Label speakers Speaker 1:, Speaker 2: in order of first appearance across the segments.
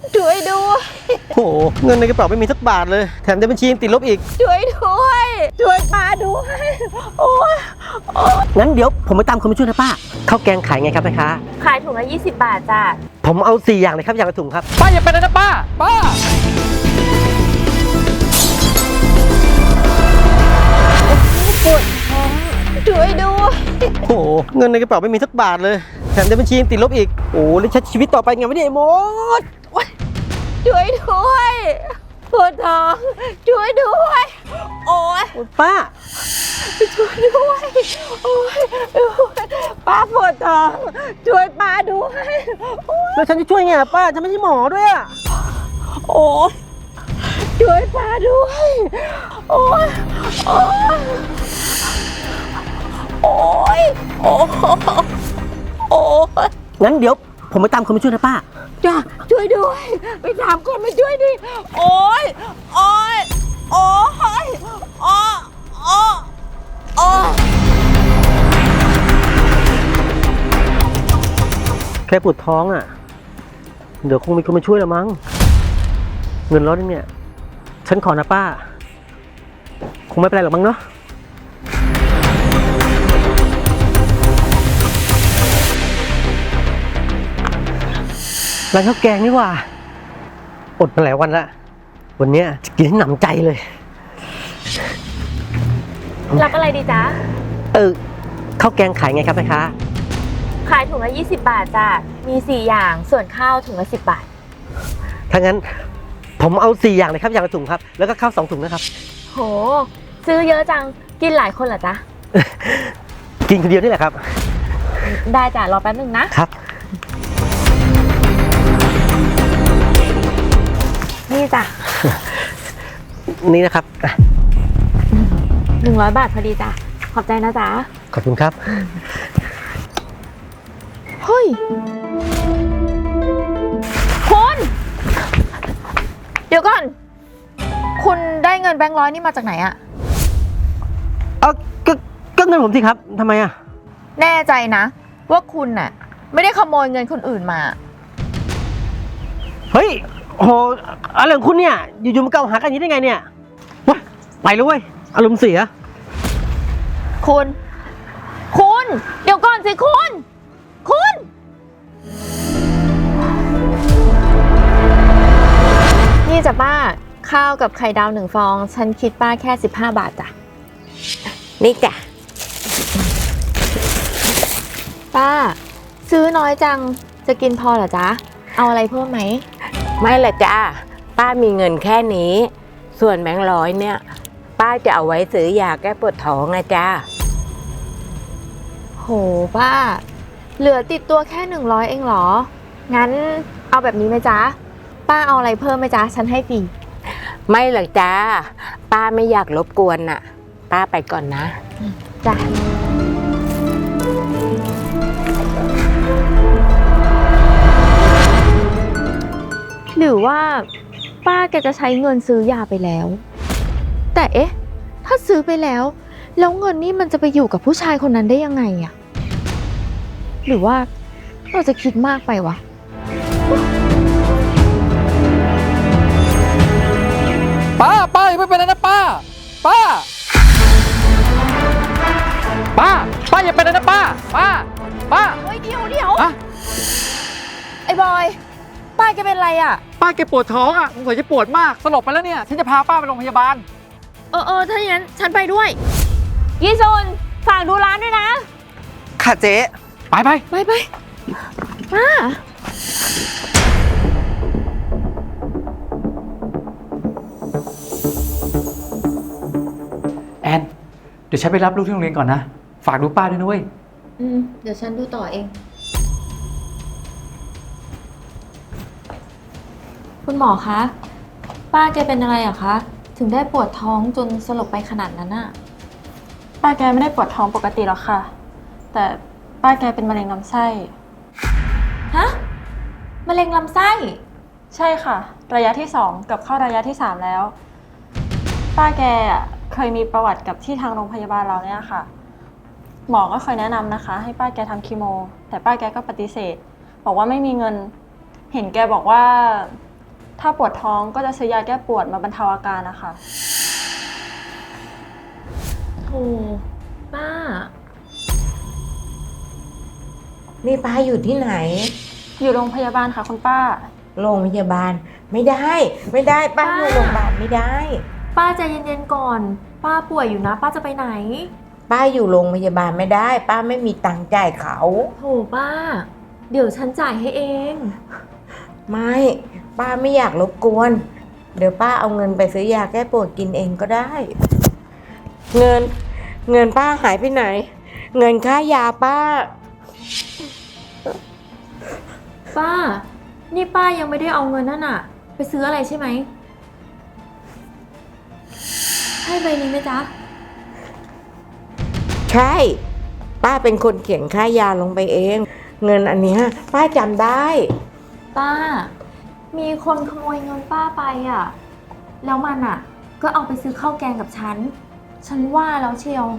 Speaker 1: ช่วยด้วย
Speaker 2: โอ้โหเงินในกระเป๋าไม่มีสักบาทเลยแถมในบัญชียังติดลบอีก
Speaker 1: ช่วยด้วยช่วยป้าด้วยโอ้ย
Speaker 2: งั้นเดี๋ยวผมไปตามคนมาช่วยนะป้าข้าวแกงขายไงครับแม่ค้า
Speaker 1: ขายถุงละ20 บาทจ้ะ
Speaker 2: ผมเอา4อย่างเลยครับอย่างละถุงครับ
Speaker 3: ป้าอย่าไปเลยนะป้า
Speaker 1: ปวดท้องช่วยด้วย
Speaker 2: โอ้โหเงินในกระเป๋าไม่มีสักบาทเลยแถมในบัญชียังติดลบอีกโอ้แล้วใช้ชีวิตต่อไปไงวะเนี่ยไอ้มด
Speaker 1: ช่วยด้วยปวดท้องช่วยด้วยโอ้ย
Speaker 2: ป้า
Speaker 1: ช่วยด้วยโอ้ยป้าปวดท้องช่วยป้าด้วย
Speaker 2: แล้วฉันจะช่วยไงป้าฉันไม่ใช่หมอด้วยอะ
Speaker 1: โอ้ยช่วยป้าด้วยโอ้ยโอ้ยโอ้ยโอ้ยโอ้ย
Speaker 2: งั้นเดี๋ยวผมไปตามคนมาช่วยนะป้า
Speaker 1: จ้าช่วยด้วยไปถามคนมาช่วยดิโอ้ยโอ้ยโอ้ยโอ้ยโอ้ยโอ้ย
Speaker 2: แค่ปวดท้องอ่ะเดี๋ยวคงมีคนมาช่วยละมั้งเงินร้อยนึงเนี่ยฉันขอนะป้าคงไม่เป็นไรหรอกมั้งเนาะร้านข้าวแกงนี่ว่าอดมาหลายวันละวันนี้จะกินให้หนำใจเลย
Speaker 1: รับอะไรดีจ๊ะ
Speaker 2: ข้าวแกงขายไงครับแม่ค้า
Speaker 1: ขายถุงละ20 บาทจ้ะมี4อย่างส่วนข้าวถุงละ10 บาท
Speaker 2: ถ้างั้นผมเอา4อย่างเลยครับอย่างละถุงครับแล้วก็ข้าว2ถุงนะครับ
Speaker 1: โหซื้อเยอะจังกินหลายคนเหรอจ๊ะ
Speaker 2: กินคนเดียวนี่แหละครับ
Speaker 1: ได้จ้ะรอแป๊บนึงนะครับนี่จ้ะ
Speaker 2: นี่นะครับ
Speaker 1: 100 บาทพอดีจ้ะขอบใจนะจ๊ะ
Speaker 2: ขอบคุณครับ
Speaker 1: เฮ้ยคุณเดี๋ยวก่อนคุณได้เงินแบงค์ร้อยนี่มาจากไหนอะ
Speaker 2: ก็เงินผมสิครับทำไมอะ
Speaker 1: แน่ใจนะว่าคุณน่ะไม่ได้ขโมยเงินคนอื่นมา
Speaker 2: เฮ้ยโหอะไรของคุณเนี่ยอยู่ๆมาเกล่าวหากันอย่างนี้ได้ไงเนี่ยว้าไปเลยเว้ยอารมณ์เสีย
Speaker 1: คุณเดี๋ยวก่อนสิคุณนี่จ้ะป้าข้าวกับไข่ดาว1 ฟองฉันคิดป้าแค่15 บาทจ้ะ
Speaker 4: นี่จ้ะ
Speaker 1: ป้าซื้อน้อยจังจะกินพอเหรอจ๊ะเอาอะไรเพิ่มไหม
Speaker 4: ไม่ละจ้าป้ามีเงินแค่นี้ส่วนแบงค์ร้อยเนี่ยป้าจะเอาไว้ซื้อยาแก้ปวดท้องนะจ้า
Speaker 1: โหป้าเหลือติดตัวแค่100เองเหรองั้นเอาแบบนี้ไหมจ๊ะป้าเอาอะไรเพิ่มไหมจ๊ะฉันให้ฟรี
Speaker 4: ไม่หรอกจ้าป้าไม่อยากรบกวนน่ะป้าไปก่อนนะ
Speaker 1: จ้ะหรือว่าป้าแกจะใช้เงินซื้อยาไปแล้วแต่เอ๊ะถ้าซื้อไปแล้วเงินนี่มันจะไปอยู่กับผู้ชายคนนั้นได้ยังไงอะหรือว่าเราจะคิดมากไปวะ
Speaker 3: ป้าอย่าไปเป็นนะป้าอย่าไปเลยนะป้า
Speaker 1: เฮ้ยเดี๋ยวไอ้บอยป้าแกเป็นไรอ่ะ
Speaker 3: ป้าแกปวดท้องอ่ะสงสัยจะปวดมากสลบไปแล้วเนี่ยฉันจะพาป้าไปโรงพยาบาล
Speaker 1: ถ้าอย่างนั้นฉันไปด้วยยี่ซุนฝากดูร้านด้วยนะ
Speaker 2: ค่ะเจ๊
Speaker 3: ไปป้าแอนเดี๋ยวฉันไปรับลูกที่โรงเรียนก่อนนะฝากดูป้าด้วยนะเว้ย
Speaker 1: เดี๋ยวฉันดูต่อเองคุณหมอคะป้าแกเป็นอะไรอะคะถึงได้ปวดท้องจนสลบไปขนาดนั้นอะ
Speaker 5: ป้าแกไม่ได้ปวดท้องปกติหรอกค่ะแต่ป้าแกเป็นมะเร็งลำไส้
Speaker 1: ฮะมะเร็งลำไส้
Speaker 5: ใช่ค่ะระยะที่2กับเข้าระยะที่3แล้วป้าแกเคยมีประวัติกับที่ทางโรงพยาบาลเราเนี่ยค่ะหมอก็เคยแนะนำนะคะให้ป้าแกทำคีโมแต่ป้าแกก็ปฏิเสธบอกว่าไม่มีเงินเห็นแกบอกว่าถ้าปวดท้องก็จะซื้อยาแก้ปวดมาบรรเทาอาการนะคะ
Speaker 1: โถป้า
Speaker 4: นี่ป้าอยู่ที่ไหน
Speaker 5: อยู่โรงพยาบาลค่ะคุณป้า
Speaker 4: โรงพยาบาลไม่ได้ ไม่ได้ป้าอยู่โรงพยาบาลไม่ได้
Speaker 1: ป้าใจเย็นๆก่อน ป้าป่วยอยู่นะ ป้าจะไปไหน
Speaker 4: ป้าอยู่โรงพยาบาลไม่ได้ ป้าไม่มีตังค์จ่ายเขา
Speaker 1: โถป้า เดี๋ยวฉันจ่ายให้เอง
Speaker 4: ไม่ ป้าไม่อยากรบกวน เดี๋ยวป้าเอาเงินไปซื้อยาแก้ปวดกินเองก็ได้ เงินป้าหายไปไหน เงินค่ายาป้า
Speaker 1: ป้า นี่ป้ายังไม่ได้เอาเงินนั่นอะไปซื้ออะไรใช่ไหมใช่ใบนี้ไหมจ๊ะ
Speaker 4: ใช่ ป้าเป็นคนเขียนค่ายาลงไปเอง เงินอันเนี้ยป้าจำได้
Speaker 1: ป้า มีคนขโมยเงินป้าไปอะแล้วมันอะก็เอาไปซื้อข้าวแกงกับฉัน ฉันว่าแล้วเชียว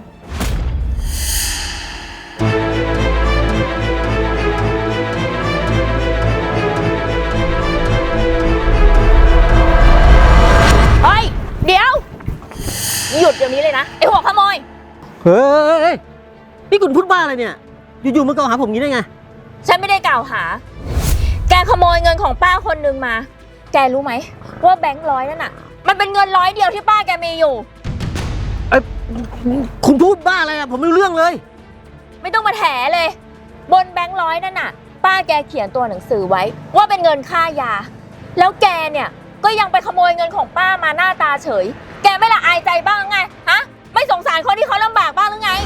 Speaker 6: เฮ้ย เดี๋ยว หยุดเดี๋ยวนี้เลยนะ ไอ้หัวขโมย
Speaker 2: เฮ้ยนี่คุณพูดบ้าอะไรเนี่ย อยู่ๆมากล่าวหาผมอย่างนี้ได้ไง
Speaker 6: ฉันไม่ได้กล่าวหา แกขโมยเงินของป้าคนหนึ่งมา แกรู้ไหมว่าแบงค์ร้อยนั่นน่ะ มันเป็นเงิน100เดียวที่ป้าแกมีอยู่
Speaker 2: คุณพูดบ้าอะไรอะผมไม่รู้เรื่องเลย
Speaker 6: ไม่ต้องมาแถเลย บนแบงค์ร้อยนั่นน่ะ ป้าแกเขียนตัวหนังสือไว้ ว่าเป็นเงินค่ายา แล้วแกเนี่ยก็ยังไปขโมยเงินของป้ามาหน้าตาเฉย แกไม่ละอายใจบ้างไง ฮะ ไม่สงสารคนที่เขาลำบากบ้างหรือไง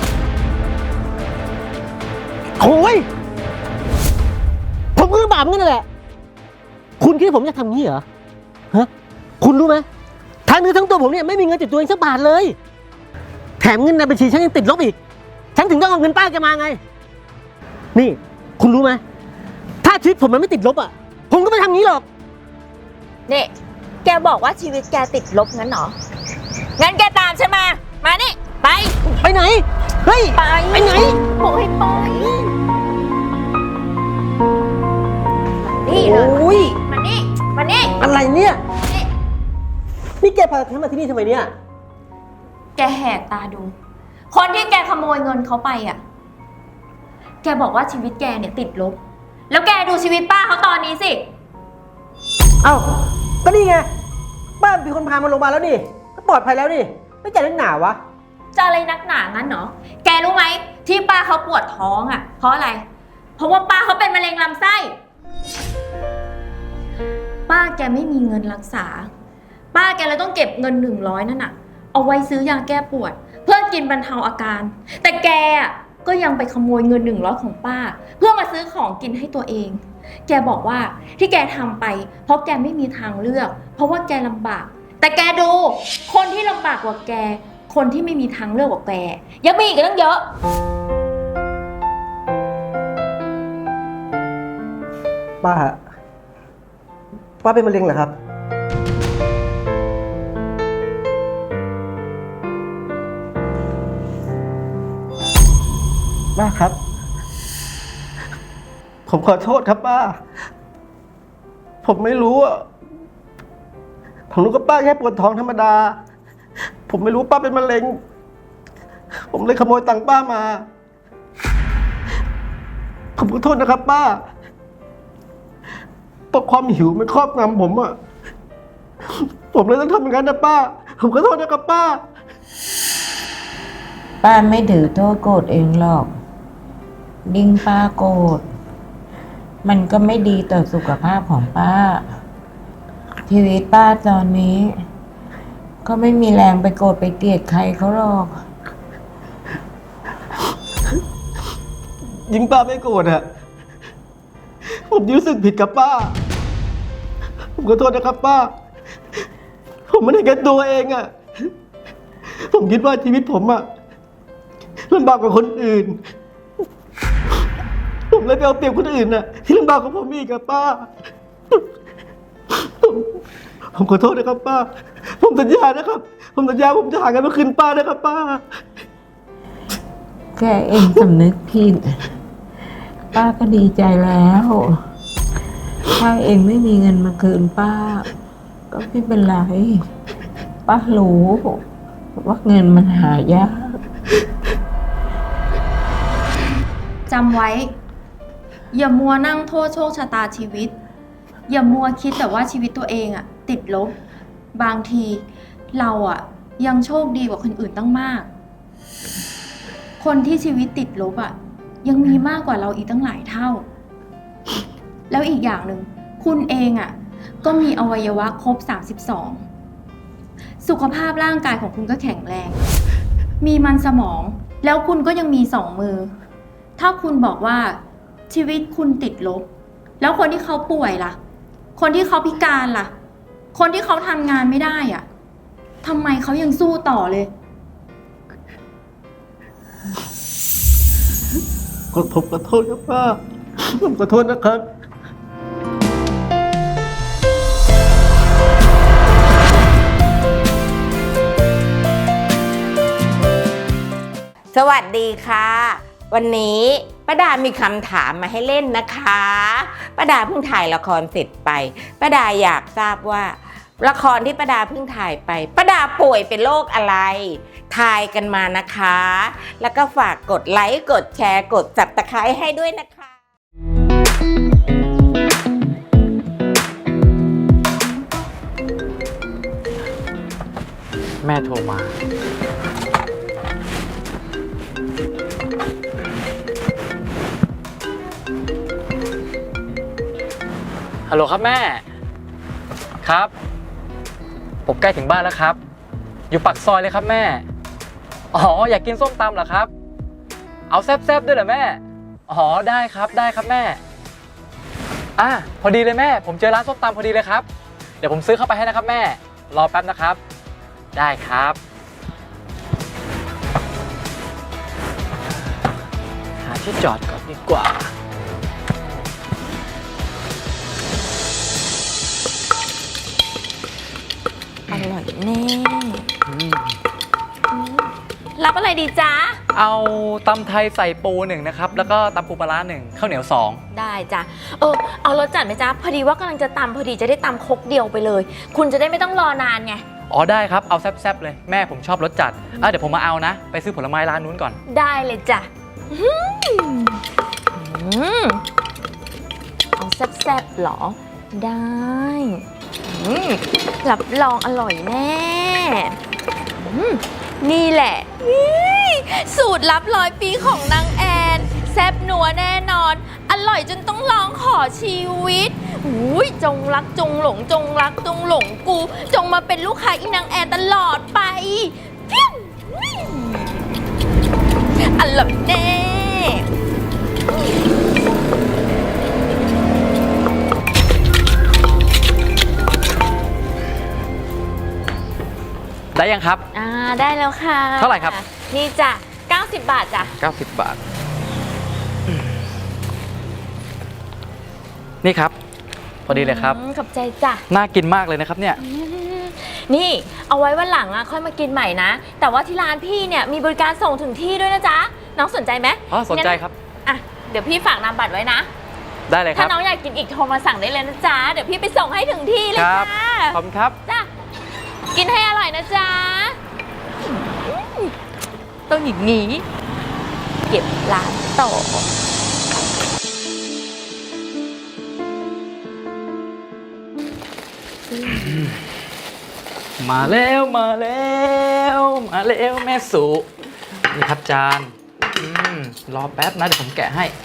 Speaker 2: โอ้ยผมก็ลำบากเหมือนกันนั่นแหละ คุณคิดว่าผมจะทำงี้เหรอ ฮะ คุณรู้ไหมทั้งเนื้อทั้งตัวผมเนี่ยไม่มีเงินติดตัวเองสักบาทเลย แถมเงินในบัญชีฉันยังติดลบอีก ฉันถึงต้องเอาเงินป้าแกมาไง นี่ คุณรู้ไหมถ้าชีวิตผมมันไม่ติดลบอ่ะ ผมก็ไม่ทำงี้หรอก
Speaker 6: นี่ แกบอกว่าชีวิตแกติดลบงั้นเหรอ งั้นแกตามฉันมา มานี่ ไป
Speaker 2: ไปไหน เฮ้ย
Speaker 6: ไป
Speaker 2: ไปไหน
Speaker 6: บอกให้ไปนี่เลย
Speaker 2: โอ้ย
Speaker 6: มานี่ มานี่
Speaker 2: อะไรเนี่ย
Speaker 6: นี่
Speaker 2: นี่แกพาฉันมาที่นี่ทำไมเนี่ย
Speaker 1: แกแหกตาดู คนที่แกขโมยเงินเขาไปอ่ะ แกบอกว่าชีวิตแกเนี่ยติดลบ แล้วแกดูชีวิตป้าเขาตอนนี้สิ
Speaker 2: เอ้า ก็นี่ไง บ้านมีคนพามาโรงพยาบาลแล้วนี่ ก็ปลอดภัยแล้วนี่ ไม่จ่ายเรื่องหนาวะ
Speaker 1: จะอะไรนักหนางั้นเหรอ แกรู้ไหมที่ป้าเขาปวดท้องอ่ะ เพราะอะไร เพราะว่าป้าเขาเป็นมะเร็งลำไส้ ป้าแกไม่มีเงินรักษา ป้าแกเลยต้องเก็บเงิน100นั่นน่ะ เอาไว้ซื้อยาแก้ปวด เพื่อกินบรรเทาอาการ แต่แกอ่ะก็ยังไปขโมยเงิน100ของป้า เพื่อมาซื้อของกินให้ตัวเอง แกบอกว่าที่แกทำไป เพราะแกไม่มีทางเลือก เพราะว่าแกลำบาก แต่แกดู คนที่ลำบากกว่าแก คนที่ไม่มีทางเลือกกว่าแกยังมีอีกตั้งเยอะ
Speaker 2: ป้าเป็นมะเร็งเหรอครับ ป้าครับ ผมขอโทษครับป้า ผมไม่รู้อ่ะ ผมรู้ว่าป้าแค่ปวดท้องธรรมดา ผมไม่รู้ป้าเป็นมะเร็ง ผมเลยขโมยตังค์ป้ามา ผมขอโทษนะครับป้าเพราะความหิวมันครอบงำผมอ่ะ ผมเลยต้องทำอย่างนั้นนะป้า ผมขอโทษนะครับป้า
Speaker 4: ป้าไม่ถือโทษโกรธเองหรอกยิ่งป้าโกรธมันก็ไม่ดีต่อสุขภาพของป้า ชีวิตป้าตอนนี้ ก็ไม่มีแรงไปโกรธไปเกลียดใครเขาหรอก
Speaker 2: ยิ่งป้าไม่โกรธอ่ะ ผมรู้สึกผิดกับป้า ผมขอโทษนะครับป้า ผมไม่ได้แก้ตัวเองอ่ะ ผมคิดว่าชีวิตผมอ่ะลำบากกว่าคนอื่น ผมเลยไปเอาเปรียบคนอื่นน่ะ ที่ลำบากกว่าผมอีกกับป้า ผมขอโทษนะครับป้า ผมสัญญานะครับ ผมสัญญาผมจะหาเงินมาคืนป้านะครับป้า
Speaker 4: แค่เองสำนึกผิดป้าก็ดีใจแล้วถ้าเองไม่มีเงินมาคืนป้า ก็ไม่เป็นไร ป้ารู้ว่าเงินมันหายาก
Speaker 1: จำไว้ อย่ามัวนั่งโทษโชคชะตาชีวิต อย่ามัวคิดแต่ว่าชีวิตตัวเองอะติดลบ บางทีเราอะยังโชคดีกว่าคนอื่นตั้งมาก คนที่ชีวิตติดลบอะยังมีมากกว่าเราอีกตั้งหลายเท่า แล้วอีกอย่างหนึ่งคุณเองอะก็มีอวัยวะครบ 32 สุขภาพร่างกายของคุณก็แข็งแรง มีมันสมองแล้วคุณก็ยังมี2 มือ ถ้าคุณบอกว่าชีวิตคุณติดลบ แล้วคนที่เขาป่วยล่ะ คนที่เขาพิการล่ะ คนที่เขาทำงานไม่ได้อะทำไมเขายังสู้ต่อเลย
Speaker 2: ผมขอโทษครับป้า ผมขอโทษนะครับ
Speaker 4: สวัสดีค่ะ วันนี้ป้าดามีคำถามมาให้เล่นนะคะป้าดาเพิ่งถ่ายละครเสร็จไปป้าดาอยากทราบว่าละครที่ป้าดาเพิ่งถ่ายไปป้าดาป่วยเป็นโรคอะไรทายกันมานะคะ แล้วก็ฝากกดไลค์กดแชร์กดSubscribeให้ด้วยนะคะ
Speaker 3: แม่โทรมา ฮัลโหลครับแม่ ครับ ผมใกล้ถึงบ้านแล้วครับ อยู่ปากซอยเลยครับแม่ อ๋อ อยากกินส้มตำเหรอครับ เอาแซ่บๆด้วยเหรอแม่ อ๋อ ได้ครับ ได้ครับแม่ พอดีเลยแม่ ผมเจอร้านส้มตำพอดีเลยครับ เดี๋ยวผมซื้อเข้าไปให้นะครับแม่ รอแป๊บนะครับ ได้ครับ หาที่จอดก่อนดีกว่า
Speaker 6: อร่อยแน่รับอะไรดีจ๊ะ
Speaker 3: เอาตำไทยใส่ปู1นะครับ แล้วก็ตำปูปลาร้า1ข้าวเหนียว2
Speaker 6: ได้จ้ะเอารสจัดไหมจ๊ะพอดีว่ากำลังจะตำพอดีจะได้ตำครกเดียวไปเลย คุณจะได้ไม่ต้องรอนานไง
Speaker 3: อ๋อได้ครับ เอาแซ่บๆเลย แม่ผมชอบรสจัดเดี๋ยวผมมาเอานะ ไปซื้อผลไม้ร้านนู้นก่อน
Speaker 6: ได้เลยจ้ะเอาแซ่บๆหรอ ได้รับรองอร่อยแน่นี่แหละสูตรลับ100 ปีของนางแอนแซ่บนัวแน่นอนอร่อยจนต้องร้องขอชีวิตจงรักจงหลงจงรักจงหลงกูจงมาเป็นลูกค้าอีนางแอนตลอดไปอร่อยแน่
Speaker 3: ได้ยังครับ
Speaker 6: ได้แล้วค่ะ
Speaker 3: เท่าไหร่ครับ
Speaker 6: นี่จ้ะ90 บาทจ้ะ
Speaker 3: 90 บาท นี่ครับ พอดีเลยครับ
Speaker 6: ขอบใจจ้ะ
Speaker 3: น่ากินมากเลยนะครับเนี่ย
Speaker 6: นี่เอาไว้วันหลังค่อยมากินใหม่นะแต่ว่าที่ร้านพี่เนี่ยมีบริการส่งถึงที่ด้วยนะจ๊ะน้องสนใจไหม
Speaker 3: อ๋อสนใจครับ
Speaker 6: เดี๋ยวพี่ฝากนามบัตรไว้นะ
Speaker 3: ได้เลยค
Speaker 6: ถ้า
Speaker 3: รับ
Speaker 6: น้องอยากกินอีกโทรมาสั่งได้เลยนะจ๊ะเดี๋ยวพี่ไปส่งให้ถึงที่เลย
Speaker 3: ครับ
Speaker 6: จ้า
Speaker 3: ขอบคุณครับ
Speaker 6: จ้ะกินให้อร่อยนะจ๊ะต้องอย่างนี้เก็บร้านต่อ
Speaker 3: มาแล้วมาแล้วมาแล้วแม่สุนี่ครับจานรอแป๊บนะเดี๋ยวผมแกะให้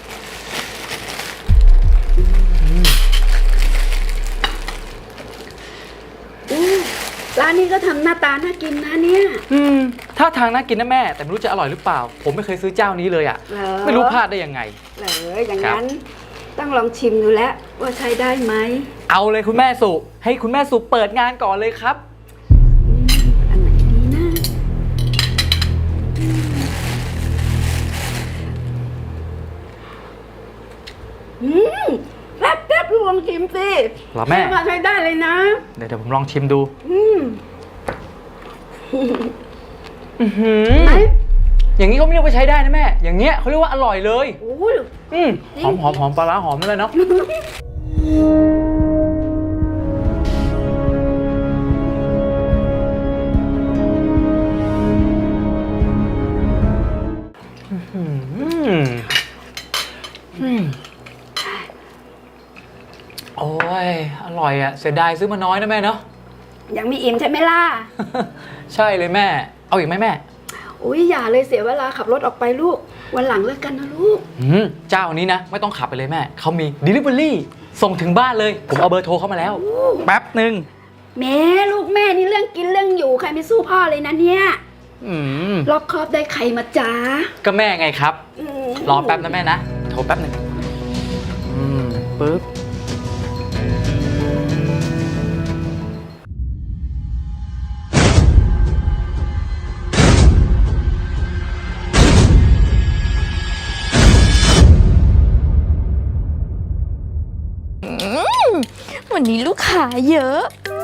Speaker 7: ร้านนี้ก็ทำหน้าตาน่ากินนะเนี่ย
Speaker 3: ถ้าทางน่ากินนะแม่ แต่ไม่รู้จะอร่อยหรือเปล่า ผมไม่เคยซื้อเจ้านี้เลยอ่ะ
Speaker 7: เหรอ
Speaker 3: ไม่รู้พลาดได้ยังไง
Speaker 7: เหรออย่างนั้นต้องลองชิมดูแล้วว่าใช้ได้ไหม
Speaker 3: เอาเลยคุณแม่สุให้คุณแม่สุเปิดงานก่อนเลยครับ
Speaker 7: อันไหนดีนะแป๊บลองชิมสิ
Speaker 3: เหรอแม่
Speaker 7: ว่าใช้ได้เลยนะ
Speaker 3: เดี๋ยวผมลองชิมดู
Speaker 7: ไหน
Speaker 3: อย่างนี้เขาไม่เรียกว่าใช้ได้นะแม่ อย่างเงี้ยเขาเรียกว่าอร่อยเลย
Speaker 7: โอ้ย
Speaker 3: หอมปลาร้าหอมเลยเนาะเสียดายซื้อมาน้อยนะแม่เนาะ
Speaker 7: ยังมีอิ่มใช่ไหมล่ะ
Speaker 3: ใช่เลยแม่ เอาอีกไหมแม่
Speaker 7: อุ้ยอย่าเลยเสียเวลาขับรถออกไปลูก วันหลังเลิกกันนะลูก
Speaker 3: เจ้านี้นะ ไม่ต้องขับไปเลยแม่ เขามี Delivery ส่งถึงบ้านเลย ผมเอาเบอร์โทรเข้ามาแล้ว แป๊บหนึ่ง
Speaker 7: แม่ลูกแม่นี่เรื่องกินเรื่องอยู่ใครไม่สู้พ่อเลยนะเนี่ย
Speaker 3: อืม
Speaker 7: รอบคอบได้ใครมาจ้า
Speaker 3: ก็แม่ไงครับ
Speaker 7: อืม
Speaker 3: รอแป๊บนะแม่นะ โทรแป๊บหนึ่งปึ๊บ
Speaker 1: วันนี้ลูกค้าเยอะ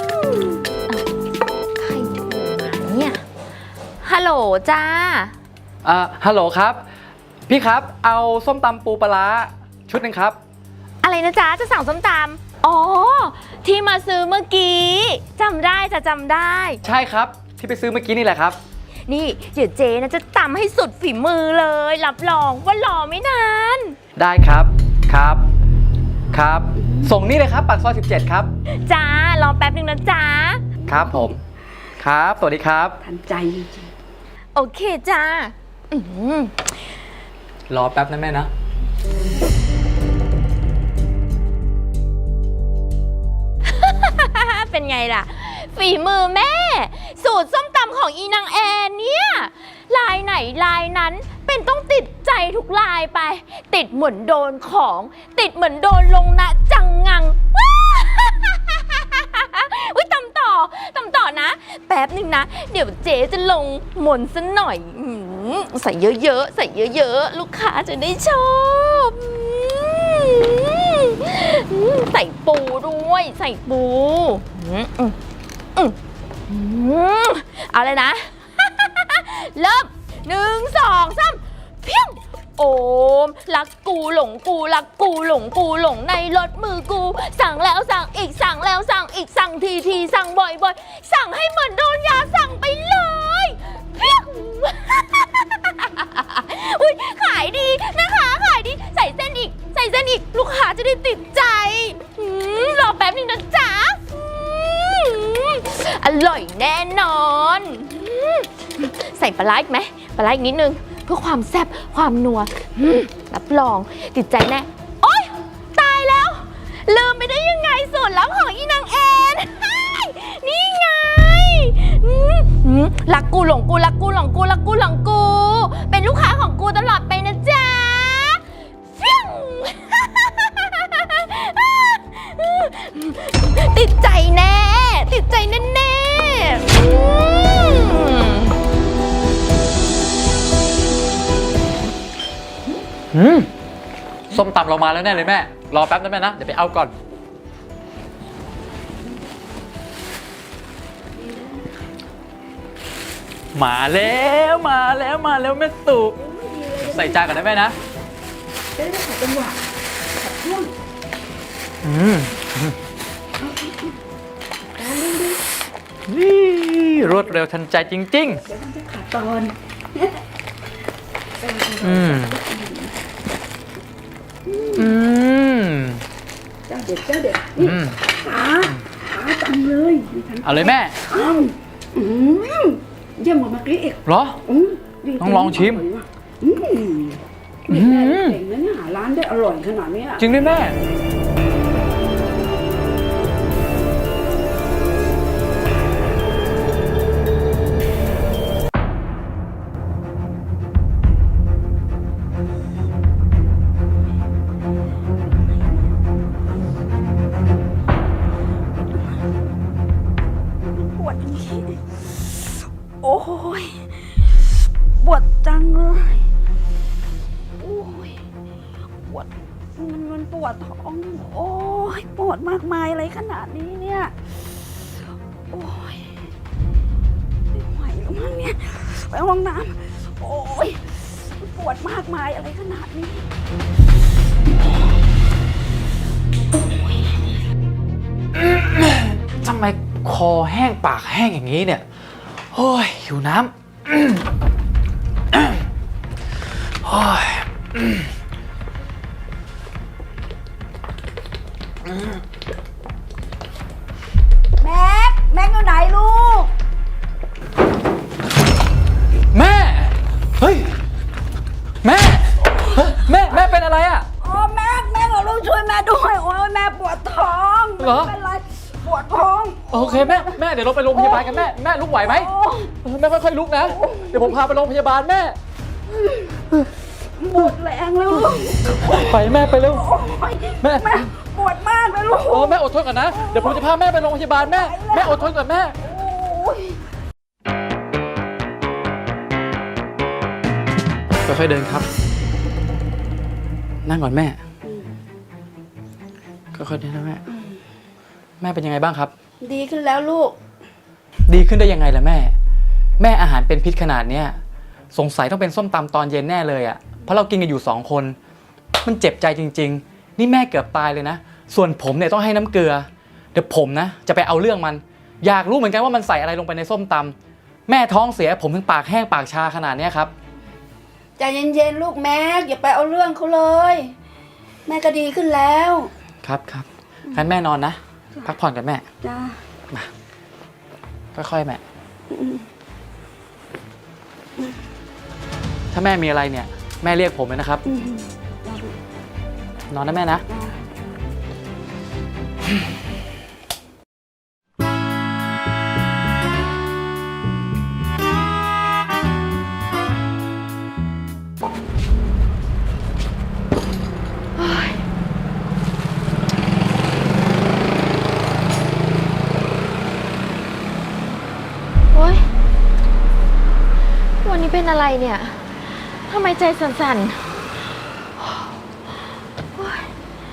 Speaker 1: ใครโทรมาเนี่ย ฮัลโหลจ้า
Speaker 3: ฮัลโหลครับ พี่ครับ เอาส้มตำปูปลาร้าชุดหนึ่งครับ
Speaker 1: อะไรนะจ๊ะ จะสั่งส้มตำอ๋อ ที่มาซื้อเมื่อกี้จำได้จะจำได้
Speaker 3: ใช่ครับ ที่ไปซื้อเมื่อกี้นี่แหละครับ
Speaker 1: นี่เดี๋ยวเจ๊นะจะตำให้สุดฝีมือเลย รับรองว่ารอไม่นาน
Speaker 3: ได้ครับ ครับ ครับ ส่งนี่เลยครับ ปากซอย 17 ครับ
Speaker 1: จ้ารอแป๊บนึงนะจ๊ะ
Speaker 3: ครับผม ครับ สวัสดีครับ
Speaker 7: ทันใจจริง
Speaker 1: โอเคจ้าอื้อหือ
Speaker 3: รอแป๊บนะแม่นะ
Speaker 1: เป็นไงล่ะ ฝีมือแม่ สูตรส้มตำของอีนางแอนเนี่ยลายไหนลายนั้นเป็นต้องติดใจทุกลายไป ติดเหมือนโดนของ ติดเหมือนโดนลงนะจังงัง อุ้ยตำต่อนะ แป๊บหนึ่งนะ เดี๋ยวเจ๊จะลงมนต์ซะหน่อยใส่เยอะๆใส่เยอะๆลูกค้าจะได้ชอบใส่ปูด้วยใส่ปูเอาเลยนะ เริ่ม1 2 3เพียงโอมรักกูหลงกูรักกูหลงกูหลงในรถมือกูสั่งแล้วสั่งอีกสั่งแล้วสั่งอีกสั่งทีสั่งบ่อยสั่งให้เหมือนโดนยาสั่งไปเลยเพียง อุ้ยขายดีนะคะขายดีใส่เส้นอีกลูกค้าจะได้ติดใจรอแป๊บนึงนะจ๊ะอร่อยแน่นอนใส่ปลาร้าอีกไหมปลาร้าอีกนิดนึงเพื่อความแซ่บความนัวรับรองติดใจแน่โอ๊ยตายแล้วลืมไปได้ยังไงสูตรลับของอีนางแอนนี่ไงรักกูหลงกูรักกูหลงกูรักกูหลงกูเป็นลูกค้าของกูตลอดไปนะจ๊ะฟิวติดใจแน่ติดใจแน่
Speaker 3: ส้มตำเรามาแล้วแน่เลยแม่ รอแป๊บนะแม่นะ เดี๋ยวไปเอาก่อน มาแล้วแม่สุใส่จานก่อนนะแม่นะ
Speaker 7: จะได้ขัดจังหวะขัดช่วง
Speaker 3: นี่รวดเร็วทันใจจริง
Speaker 7: เดี๋ยวมันจะขัดตอน เจ้าเด็ดนี่ขาตังเลยมีทั้ง
Speaker 3: เอาเลยแม่
Speaker 7: เยี่ยมกว่าเมื่อกี้อีก
Speaker 3: เหรอ
Speaker 7: ดี
Speaker 3: ต้องลองชิม
Speaker 7: นี่แม่เก่งนะเนี่ยหาร้านได้อร่อยขนาดนี้
Speaker 3: จริงด้วยแม่
Speaker 7: ปวดโอ้ยปวดจังเลยโอ้ยปวดมันปวดท้องโอ้ยปวดมากมายอะไรขนาดนี้เนี่ยโอ้ยไม่ไหวแล้วมั้งเนี่ยไปห้องน้ำโอ้ยปวดมากมายอะไรขนาดนี้
Speaker 3: ทำไมคอแห้งปากแห้งอย่างนี้เนี่ย โอ้ยหิวน้ำโอ้ย
Speaker 7: งค์อยู่ไหนลูก
Speaker 3: แม่ เฮ้ย แม่เฮ้ยแม่เป็นอะไรอ่ะ
Speaker 7: โอ้แม่เอาลูกช่วยแม่ด้วยโอ้ยแม่ปวดท้อง
Speaker 3: เหรอ
Speaker 7: ไม่เป็นไรปวดท้อง
Speaker 3: โอเคแม่เดี๋ยวเราไปโรงพยาบาลกันแม่ลุกไหวไหม
Speaker 7: โอ้
Speaker 3: แม่ค่อยๆลุกนะ เดี๋ยวผมพาไปโรงพยาบาลแม่
Speaker 7: หมดแรงแล้วลูก
Speaker 3: ไปแม่ไปเร็ว
Speaker 7: โอ้ย
Speaker 3: แม่
Speaker 7: ปวดมากเลยลูก
Speaker 3: โอ้แม่อดทนก่อนนะ เดี๋ยวผมจะพาแม่ไปโรงพยาบาลแม่อดทนก่อนแม่
Speaker 7: โอ้ย
Speaker 3: ค่อยๆเดินครับ นั่งก่อนแม่ ค่อยๆเดินนะแม่ แม่เป็นยังไงบ้างครับ
Speaker 7: ดีขึ้นแล้วลูก
Speaker 3: ดีขึ้นได้ยังไงล่ะแม่ แม่อาหารเป็นพิษขนาดเนี้ยสงสัยต้องเป็นส้มตำตอนเย็นแน่เลยอ่ะ เพราะเรากินกันอยู่2 คน มันเจ็บใจจริงๆ นี่แม่เกือบตายเลยนะ ส่วนผมเนี่ยต้องให้น้ำเกลือ เดี๋ยวผมนะจะไปเอาเรื่องมัน อยากรู้เหมือนกันว่ามันใส่อะไรลงไปในส้มตำแม่ท้องเสียผมถึงปากแห้งปากชาขนาดเนี้ยครับ
Speaker 7: ใจเย็นๆลูกแม็กอย่าไปเอาเรื่องเขาเลย แม่ก็ดีขึ้นแล้ว
Speaker 3: ครับงั้นแม่นอนนะ พักผ่อนกันแม่
Speaker 7: จ้า
Speaker 3: ค่อยๆแม่ ถ้าแม่มีอะไรเนี่ย แม่เรียกผมเลยนะครับ นอนนะแม่นะ
Speaker 1: โอ๊ย วันนี้เป็นอะไรเนี่ย ทำไมใจสั่นๆโอ๊ย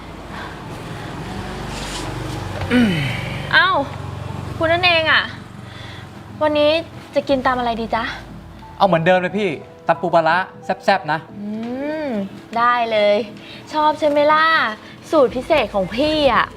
Speaker 1: เอ้า คุณนั่นเองอ่ะ วันนี้จะกินตามอะไรดีจ๊ะ
Speaker 3: เอาเหมือนเดิมเลยพี่ตำปูปลาร้าแซ่บๆนะ
Speaker 1: ได้เลย ชอบใช่ไหมล่ะ สูตรพิเศษของพี่อ่ะ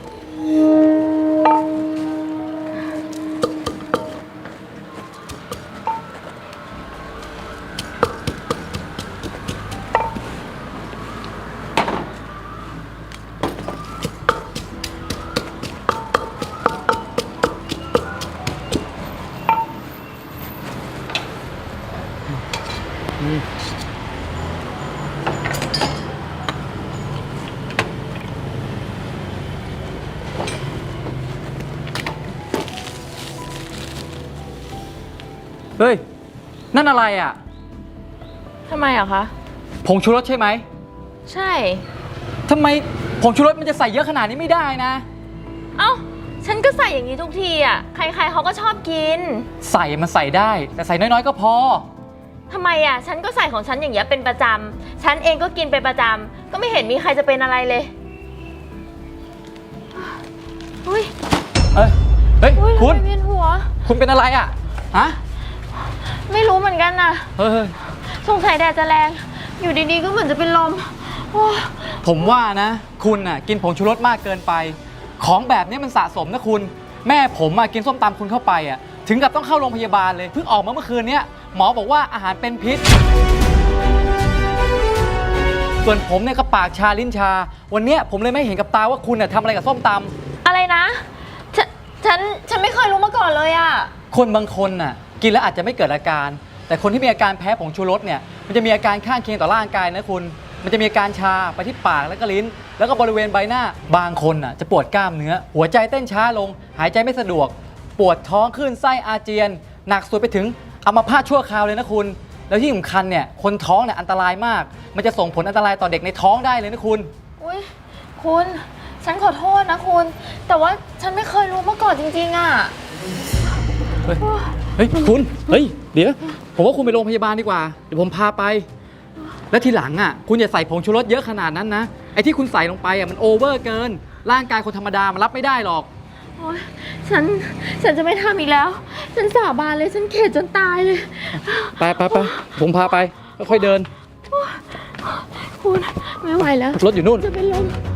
Speaker 3: เฮ้ย นั่นอะไรอ่ะ
Speaker 1: ทำไมอ่ะคะ
Speaker 3: ผงชูรสใช่ไหม
Speaker 1: ใช่
Speaker 3: ทำไมผงชูรสมันจะใส่เยอะขนาดนี้ไม่ได้นะ
Speaker 1: เอ้า ฉันก็ใส่อย่างนี้ทุกทีอ่ะ ใครๆเขาก็ชอบกิน
Speaker 3: ใส่มันใส่ได้ แต่ใส่น้อยๆก็พอ
Speaker 1: ทำไมอ่ะ ฉันก็ใส่ของฉันอย่างเงี้ยเป็นประจำ ฉันเองก็กินเป็นประจำ ก็ไม่เห็นมีใครจะเป็นอะไรเลยอุ้ย
Speaker 3: เฮ้ย
Speaker 1: อุ้ย
Speaker 3: คุณ
Speaker 1: ทำไมเวียนหัว
Speaker 3: คุณเป็นอะไรอ่ะ ฮะ
Speaker 1: ไม่รู้เหมือนกันนะ
Speaker 3: เฮ้ย
Speaker 1: สงสัยแดดจะแรง อยู่ดีๆก็เหมือนจะเป็นลมโอ้ย
Speaker 3: ผมว่านะ คุณน่ะกินผงชูรสมากเกินไป ของแบบนี้มันสะสมนะคุณ แม่ผมกินส้มตำคุณเข้าไปถึงกับต้องเข้าโรงพยาบาลเลย เพิ่งออกมาเมื่อคืนนี้หมอบอกว่าอาหารเป็นพิษ ส่วนผมเนี่ยก็ปากชาลิ้นชา วันเนี้ยผมเลยไม่เห็นกับตาว่าคุณทำอะไรกับส้มตำ
Speaker 1: อะไรนะ ฉันไม่เคยรู้มาก่อนเลยอ่ะ
Speaker 3: คนบางคนน่ะกินแล้วอาจจะไม่เกิดอาการ แต่คนที่มีอาการแพ้ผงชูรสเนี่ยมันจะมีอาการข้างเคียงต่อร่างกายนะคุณ มันจะมีอาการชาไปที่ปากแล้วก็ลิ้น แล้วก็บริเวณใบหน้าบางคนน่ะจะปวดกล้ามเนื้อ หัวใจเต้นช้าลง หายใจไม่สะดวก ปวดท้องคลื่นไส้อาเจียน หนักสุดไปถึงอัมพาตชั่วคราวเลยนะคุณ แล้วที่สำคัญเนี่ยคนท้องเนี่ยอันตรายมาก มันจะส่งผลอันตรายต่อเด็กในท้องได้เลยนะคุณ
Speaker 1: อุ้ยคุณ ฉันขอโทษนะคุณ แต่ว่าฉันไม่เคยรู้มาก่อนจริงๆอ่ะ
Speaker 3: เฮ้ยคุณ เฮ้ยเดี๋ยวผมว่าคุณไปโรงพยาบาลดีกว่า เดี๋ยวผมพาไป แล้วทีหลังคุณอย่าใส่ผงชูรสเยอะขนาดนั้นนะ ไอ้ที่คุณใส่ลงไปมันโอเวอร์เกิน ร่างกายคนธรรมดามันรับไม่ได้หรอก
Speaker 1: โอ๊ยฉันจะไม่ทำอีกแล้ว ฉันสาบานเลย ฉันเข็ดจนตายเลย
Speaker 3: ไปผมพาไปค่อยๆเดิน
Speaker 1: คุณ ไม่ไหวแล้ว
Speaker 3: รถอยู่นู่น
Speaker 1: จะเป็นลม